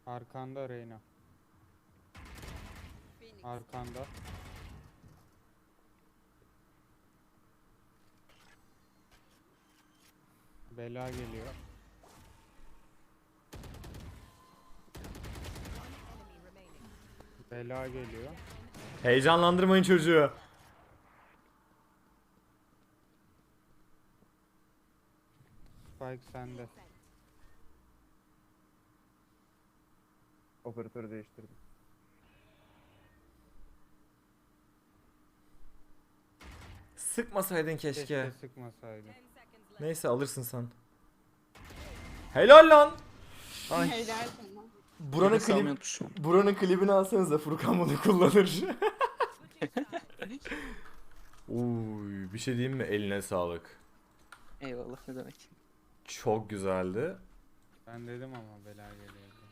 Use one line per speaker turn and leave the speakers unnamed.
Arkanda Reyna. Arkanda. Bela geliyor. Bela geliyor.
Heyecanlandırmayın çocuğu.
Spike sende.
Operatörü değiştirdim.
Sıkmasaydın keşke.
Keşke sıkmasaydın.
Neyse alırsın sen. Helal lan.
Ay.
Helal sana.
Buranın klibini alsanıza, Furkan bunu kullanır. Uy, bir şey diyeyim mi? Eline sağlık.
Eyvallah, ne demek.
Çok güzeldi.
Ben dedim ama bela geliyor.